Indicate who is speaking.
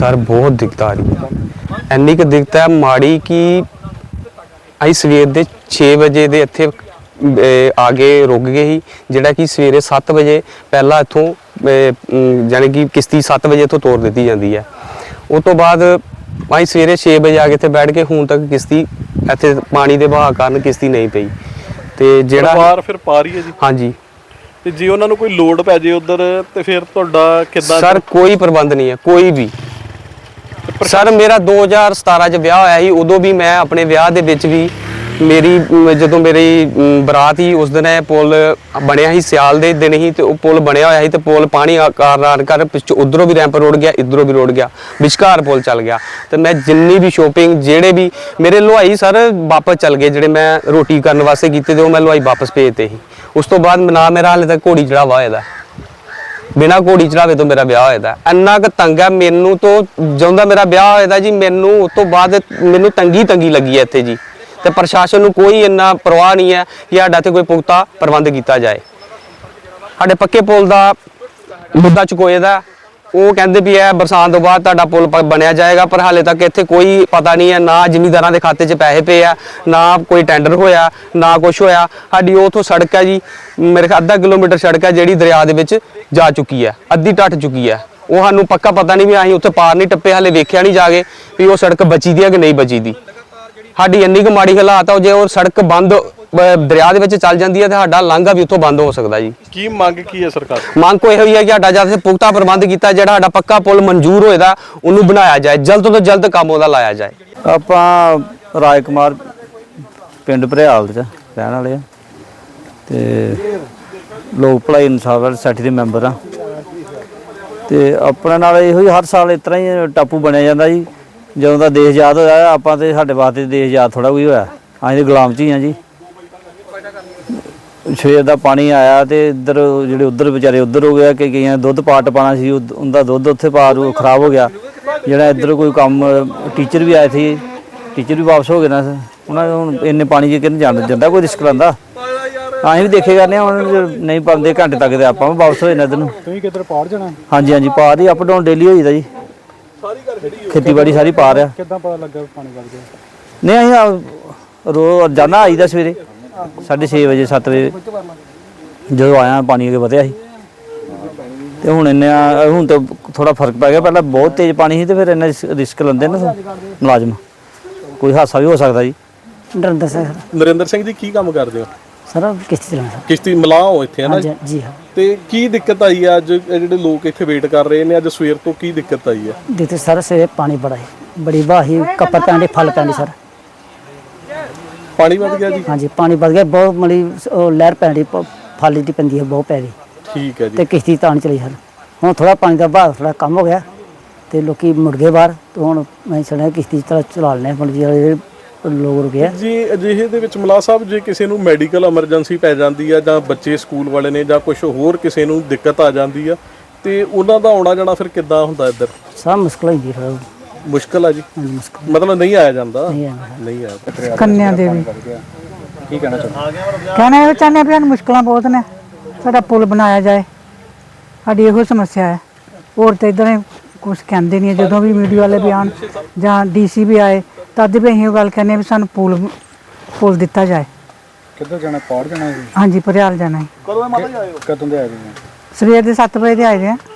Speaker 1: Sir बहुत दिक्कत आ रही है, ਇੰਨੀ ਕੁ ਦਿੱਕਤ ਹੈ ਮਾੜੀ ਕਿ ਅਸੀਂ ਸਵੇਰ ਦੇ 6 ਵਜੇ ਦੇ ਇੱਥੇ ਆ ਕੇ ਰੁਕ ਗਏ ਸੀ, ਜਿਹੜਾ ਕਿ ਸਵੇਰੇ 7 ਵਜੇ ਪਹਿਲਾਂ ਇੱਥੋਂ ਜਾਣੀ ਕਿ ਕਿਸ਼ਤੀ 7 ਵਜੇ ਤੋਂ ਤੋਰ ਦਿੱਤੀ ਜਾਂਦੀ ਹੈ। ਉਸ ਤੋਂ ਬਾਅਦ ਅਸੀਂ ਸਵੇਰੇ 6 ਵਜੇ ਆ ਕੇ ਇੱਥੇ ਬੈਠ ਕੇ ਹੁਣ ਤੱਕ ਕਿਸ਼ਤੀ ਇੱਥੇ ਪਾਣੀ ਦੇ ਵਹਾਅ ਕਾਰਨ ਕਿਸ਼ਤੀ ਨਹੀਂ ਪਈ। ਤੇ ਜਿਹੜਾ
Speaker 2: ਪਰਿਵਾਰ ਫਿਰ ਪਾ ਰਹੀ ਹੈ ਜੀ?
Speaker 1: ਹਾਂਜੀ।
Speaker 2: ਤੇ ਜੇ ਉਹਨਾਂ ਨੂੰ ਕੋਈ ਲੋਡ ਪੈ ਜੇ ਉਧਰ ਤੇ ਫਿਰ ਤੁਹਾਡਾ ਕਿੱਦਾਂ?
Speaker 1: ਸਰ ਕੋਈ ਪ੍ਰਬੰਧ ਨਹੀਂ ਹੈ ਕੋਈ ਵੀ। ਸਰ ਮੇਰਾ 2017 ਚ ਵਿਆਹ ਹੋਇਆ ਸੀ, ਉਦੋਂ ਵੀ ਮੈਂ ਆਪਣੇ ਵਿਆਹ ਦੇ ਵਿੱਚ ਵੀ ਮੇਰੀ ਜਦੋਂ ਮੇਰੀ ਬਰਾਤ ਸੀ ਉਸ ਦਿਨ ਇਹ ਪੁਲ ਬਣਿਆ ਸੀ, ਸਿਆਲ ਦੇ ਦਿਨ ਹੀ ਤੇ ਉਹ ਪੁਲ ਬਣਿਆ ਹੋਇਆ ਸੀ ਤੇ ਪੁਲ ਪਾਣੀ ਕਾਰਨ ਕਰ ਪਿੱਛੋਂ ਉਧਰੋਂ ਵੀ ਰੈਂਪ ਰੋੜ ਗਿਆ, ਇਧਰੋਂ ਵੀ ਰੋੜ ਗਿਆ, ਵਿਚਕਾਰ ਪੁਲ ਚੱਲ ਗਿਆ। ਤੇ ਮੈਂ ਜਿੰਨੀ ਵੀ ਸ਼ੋਪਿੰਗ ਜਿਹੜੇ ਵੀ ਮੇਰੇ ਹਲਵਾਈ ਸਰ ਵਾਪਸ ਚੱਲ ਗਏ, ਜਿਹੜੇ ਮੈਂ ਰੋਟੀ ਕਰਨ ਵਾਸਤੇ ਕੀਤੇ ਤੇ ਉਹ ਮੈਂ ਹਲਵਾਈ ਵਾਪਸ ਭੇਜਤੇ ਸੀ। ਉਸ ਤੋਂ ਬਾਅਦ ਨਾ ਮੇਰਾ ਹਾਲੇ ਤੱਕ ਘੋੜੀ ਚੜਾਵਾ ਹੋਇਆ, ਬਿਨਾਂ ਘੋੜੀ ਚੜਾਵੇ ਤੋਂ ਮੇਰਾ ਵਿਆਹ ਹੋਇਆ। ਇੰਨਾ ਕੁ ਤੰਗ ਹੈ ਮੈਨੂੰ ਤੋਂ ਜਦੋਂ ਦਾ ਮੇਰਾ ਵਿਆਹ ਹੋਇਆ ਜੀ, ਮੈਨੂੰ ਉਸ ਤੋਂ ਬਾਅਦ ਮੈਨੂੰ ਤੰਗੀ ਲੱਗੀ ਹੈ ਇੱਥੇ ਜੀ। ਤੇ ਪ੍ਰਸ਼ਾਸਨ ਨੂੰ ਕੋਈ ਇੰਨਾ ਪਰਵਾਹ ਨਹੀਂ ਹੈ ਕਿ ਸਾਡਾ ਤੇ ਕੋਈ ਪੁਖਤਾ ਪ੍ਰਬੰਧ ਕੀਤਾ ਜਾਏ। ਸਾਡੇ ਪੱਕੇ ਪੁਲ ਦਾ ਮੁੱਦਾ ਚੁਕੋਏ ਦਾ, ਉਹ ਕਹਿੰਦੇ ਵੀ ਇਹ ਬਰਸਾਤ ਤੋਂ ਬਾਅਦ ਤੁਹਾਡਾ ਪੁਲ ਬਣਿਆ ਜਾਏਗਾ, ਪਰ ਹਾਲੇ ਤੱਕ ਇੱਥੇ ਕੋਈ ਪਤਾ ਨਹੀਂ ਹੈ, ਨਾ ਜ਼ਿਮੀਂਦਾਰਾਂ ਦੇ ਖਾਤੇ 'ਚ ਪੈਸੇ ਪਏ ਆ, ਨਾ ਕੋਈ ਟੈਂਡਰ ਹੋਇਆ, ਨਾ ਕੁਛ ਹੋਇਆ। ਸਾਡੀ ਉਥੋਂ ਸੜਕ ਹੈ ਜੀ, ਮੇਰੇ ਖਿਆਲ ਅੱਧਾ ਕਿਲੋਮੀਟਰ ਸੜਕ ਹੈ ਜਿਹੜੀ ਦਰਿਆ ਦੇ ਵਿੱਚ ਜਾ ਚੁੱਕੀ ਹੈ, ਅੱਧੀ ਟੱਟ ਚੁੱਕੀ ਹੈ। ਉਹ ਸਾਨੂੰ ਪੱਕਾ ਪਤਾ ਨਹੀਂ ਵੀ ਅਸੀਂ ਉੱਥੇ ਪਾਰ ਨਹੀਂ ਟੱਪੇ, ਹਾਲੇ ਵੇਖਿਆ ਨਹੀਂ ਜਾ ਕੇ ਵੀ ਉਹ ਸੜਕ ਬਚੀ ਦੀ ਹੈ ਕਿ ਨਹੀਂ ਬਚੀ ਦੀ। ਸਾਡੀ ਇੰਨੀ ਕੁ ਮਾੜੀ ਹਾਲਾਤ ਆ, ਜੇ ਉਹ ਸੜਕ ਬੰਦ ਦਰਿਆ ਦੇ ਵਿੱਚ ਚੱਲ ਜਾਂਦੀ ਹੈ ਤੇ ਸਾਡਾ ਲਾਂਘਾ ਵੀ ਉੱਥੋਂ ਬੰਦ ਹੋ ਸਕਦਾ ਜੀ।
Speaker 2: ਕੀ ਮੰਗ ਕੀ ਹੈ ਸਰਕਾਰ?
Speaker 1: ਮੰਗ ਕੋਈ ਇਹੋ ਹੀ ਹੈ ਕਿ ਸਾਡਾ ਜਦ ਪੁਖਤਾ ਪ੍ਰਬੰਧ ਕੀਤਾ, ਜਿਹੜਾ ਸਾਡਾ ਪੱਕਾ ਪੁਲ ਮਨਜ਼ੂਰ ਹੋਏਦਾ ਉਹਨੂੰ ਬਣਾਇਆ ਜਾਏ, ਜਲਦ ਤੋਂ ਜਲਦ ਕੰਮ ਉਹਦਾ ਲਾਇਆ ਜਾਏ।
Speaker 3: ਆਪਾਂ ਰਾਜ ਕੁਮਾਰ ਪਿੰਡ ਭਰਿਆਲ ਦੇ ਰਹਿਣ ਵਾਲੇ ਆ ਤੇ ਲੋਕ ਭਲਾਈ ਇਨਸਾਫ ਸੋਸਾਇਟੀ ਦੇ ਮੈਂਬਰ ਆ। ਤੇ ਆਪਣੇ ਨਾਲ ਇਹੋ ਹੀ ਹਰ ਸਾਲ ਇਸ ਤਰ੍ਹਾਂ ਹੀ ਟਾਪੂ ਬਣਿਆ ਜਾਂਦਾ ਜੀ। ਜਦੋਂ ਦਾ ਦੇਸ਼ ਆਜ਼ਾਦ ਹੋਇਆ ਆਪਾਂ ਤੇ ਸਾਡੇ ਵਾਸਤੇ ਦੇਸ਼ ਆਜ਼ਾਦ ਥੋੜਾ ਕੋਈ ਹੋਇਆ, ਅਸੀਂ ਤੇ ਗੁਲਾਮ 'ਚ ਹੀ ਆ ਜੀ। ਸਵੇਰ ਦਾ ਪਾਣੀ ਆਇਆ ਤੇ ਇੱਧਰ ਜਿਹੜੇ ਉੱਧਰ ਵਿਚਾਰੇ ਉੱਧਰ ਹੋ ਗਿਆ ਕਿ ਕਈਆਂ ਦੁੱਧ ਪਾਟ ਪਾਣਾ ਸੀ, ਉਹਦਾ ਦੁੱਧ ਉੱਥੇ ਪਾਰ ਖਰਾਬ ਹੋ ਗਿਆ। ਜਿਹੜਾ ਇੱਧਰ ਕੋਈ ਕੰਮ ਟੀਚਰ ਵੀ ਆਏ ਸੀ, ਟੀਚਰ ਵੀ ਵਾਪਸ ਹੋ ਗਏ ਨਾ, ਉਹਨਾਂ ਹੁਣ ਇੰਨੇ ਪਾਣੀ 'ਚ ਕਿਹਨੂੰ ਜਾਂਦਾ ਕੋਈ ਰਿਸਕ ਲੈਂਦਾ। ਅਸੀਂ ਵੀ ਦੇਖੇ ਕਰਨੇ ਹੁਣ ਨਹੀਂ ਪਾਉਂਦੇ ਘੰਟੇ ਤੱਕ ਤੇ ਆਪਾਂ ਵੀ ਵਾਪਸ ਹੋ ਜਾਣਾ ਇੱਧਰ ਨੂੰ।
Speaker 4: ਤੁਸੀਂ ਕਿੱਧਰ ਪਾਰ ਜਾਣਾ?
Speaker 3: ਹਾਂਜੀ ਪਾਰ ਹੀ ਅਪ ਡਾਊਨ ਡੇਲੀ ਹੋਈਦਾ ਜੀ, ਖੇਤੀਬਾੜੀ ਸਾਰੀ ਪਾਰ ਆ।
Speaker 4: ਕਿੱਦਾਂ ਪਤਾ ਲੱਗਾ ਪਾਣੀ ਵੱਗ ਗਿਆ?
Speaker 3: ਨਹੀਂ ਅਸੀਂ ਰੋਜ਼ਾਨਾ ਆਈਦਾ ਸਵੇਰੇ 6:30 ਵਜੇ 7 ਵਜੇ ਜਦੋਂ ਆਇਆ ਪਾਣੀ ਅੱਗੇ ਵਧਿਆ ਸੀ ਤੇ ਹੁਣ ਹੁਣ ਤਾਂ ਥੋੜਾ ਫਰਕ ਪੈ ਗਿਆ। ਪਹਿਲਾਂ ਬਹੁਤ ਤੇਜ਼ ਪਾਣੀ ਸੀ ਤੇ ਫਿਰ ਇੰਨਾ ਰਿਸਕ ਲੈਂਦੇ ਨਾ ਮੁਲਾਜ਼ਮ, ਕੋਈ ਹਾਦਸਾ ਵੀ ਹੋ ਸਕਦਾ ਜੀ।
Speaker 2: ਨਰਿੰਦਰ ਸਿੰਘ ਜੀ ਕੀ ਕੰਮ ਕਰਦੇ ਹੋ?
Speaker 5: ਸਰ ਕਿਸ਼ਤੀ ਚਲਾਉਂਦਾ।
Speaker 2: ਕਿਸ਼ਤੀ ਮਲਾਹ ਹੋ ਇੱਥੇ ਹੈ ਨਾ
Speaker 5: ਜੀ ਹਾਂ।
Speaker 2: ਤੇ ਕੀ ਦਿੱਕਤ ਆਈ ਹੈ ਅੱਜ ਜਿਹੜੇ ਲੋਕ ਇੱਥੇ ਵੇਟ ਕਰ ਰਹੇ ਨੇ? ਅੱਜ ਸਵੇਰ ਤੋਂ ਕੀ ਦਿੱਕਤ ਆਈ ਹੈ?
Speaker 5: ਦਿੱਕਤ ਸਰ ਸਵੇਰੇ ਪਾਣੀ ਬੜਾ ਹੈ, ਬੜੀ ਵਾਹੀ ਕੱਪੜ ਪੈਂਦੇ ਫਲ ਪੈਂਦੇ ਸਰ।
Speaker 2: ਪਾਣੀ ਵੱਧ ਗਿਆ ਜੀ?
Speaker 5: ਹਾਂਜੀ ਪਾਣੀ ਵੱਧ ਗਿਆ ਬਹੁਤ, ਮਲੀ ਲਹਿਰ ਪੈਂਦੀ ਫਲ ਦੀ ਪੈਂਦੀ ਹੈ ਬਹੁਤ ਪੈ ਰਹੀ।
Speaker 2: ਠੀਕ ਹੈ ਜੀ।
Speaker 5: ਤੇ ਕਿਸ਼ਤੀ ਤਾਂ ਨਹੀਂ ਚਲੀ ਸਰ। ਹੁਣ ਥੋੜਾ ਪਾਣੀ ਦਾ ਵਹਾਅ ਥੋੜਾ ਕੰਮ ਹੋ ਗਿਆ ਤੇ ਲੋਕੀ ਮੁੜ ਗਏ ਬਾਹਰ, ਤੇ ਹੁਣ ਮੈਂ ਸੁਣਿਆ ਕਿਸ਼ਤੀ ਚਲਾ ਲੈਣੇ ਜਿਹੜੇ ਲੋਕ ਰੁਕੇ
Speaker 2: ਜੀ। ਅਜਿਹੇ ਦੇ ਵਿੱਚ ਮਲਾਹ ਸਾਹਿਬ ਜੇ ਕਿਸੇ ਨੂੰ ਮੈਡੀਕਲ ਐਮਰਜੈਂਸੀ ਪੈ ਜਾਂਦੀ ਆ ਜਾਂ ਬੱਚੇ ਸਕੂਲ ਵਾਲੇ ਨੇ ਜਾਂ ਕੁਝ ਹੋਰ ਕਿਸੇ ਨੂੰ ਦਿੱਕਤ ਆ ਜਾਂਦੀ ਆ ਤੇ ਉਹਨਾਂ ਦਾ ਆਉਣਾ ਜਾਣਾ ਫਿਰ ਕਿੱਦਾਂ ਹੁੰਦਾ ਇੱਧਰ?
Speaker 5: ਸਭ ਮੁਸ਼ਕਲ ਹੁੰਦੀ ਫਿਰ।
Speaker 2: ਮੁਸ਼ਕਲ ਆ ਜੀ?
Speaker 5: ਮੁਸ਼ਕਲ
Speaker 2: ਮਤਲਬ ਨਹੀਂ ਆਇਆ ਜਾਂਦਾ? ਨਹੀਂ ਆਇਆ।
Speaker 6: ਕੰਨਿਆ ਦੇਵੀ
Speaker 2: ਕੀ ਕਹਿਣਾ ਚਾਹੁੰਦੇ?
Speaker 6: ਕਹਿਣਾ ਇਹ ਚਾਹੁੰਦੇ ਵੀ ਮੁਸ਼ਕਲਾਂ ਬਹੁਤ ਨੇ, ਸਾਡਾ ਪੁਲ ਬਣਾਇਆ ਜਾਏ, ਸਾਡੀ ਇਹੋ ਸਮੱਸਿਆ ਹੈ। ਹੋਰ ਤਾਂ ਇੱਧਰ ਕੁਛ ਕਹਿੰਦੇ ਨਹੀਂ। ਜਦੋਂ ਵੀ ਮੀਡੀਆ ਵਾਲੇ ਵੀ ਆਉਣ ਜਾਂ DC ਵੀ ਆਏ ਤਦ ਵੀ ਅਸੀਂ ਉਹ ਗੱਲ ਕਹਿੰਦੇ ਵੀ ਸਾਨੂੰ ਪੁਲ ਦਿੱਤਾ ਜਾਏ।
Speaker 4: ਕਿੱਧਰ ਜਾਣਾ? ਪਾਰ ਜਾਣਾ?
Speaker 6: ਹਾਂਜੀ ਭਰਿਆਲ ਜਾਣਾ ਹੈ।
Speaker 2: ਕਦੋਂ ਮਾਤਾ ਜੀ ਆਏ ਹੋ?
Speaker 4: ਕਦੋਂ ਦੇ ਆਏ ਜੀ?
Speaker 6: ਸਵੇਰ ਦੇ 7 ਵਜੇ ਦੇ ਆਏ ਦੇ ਆ।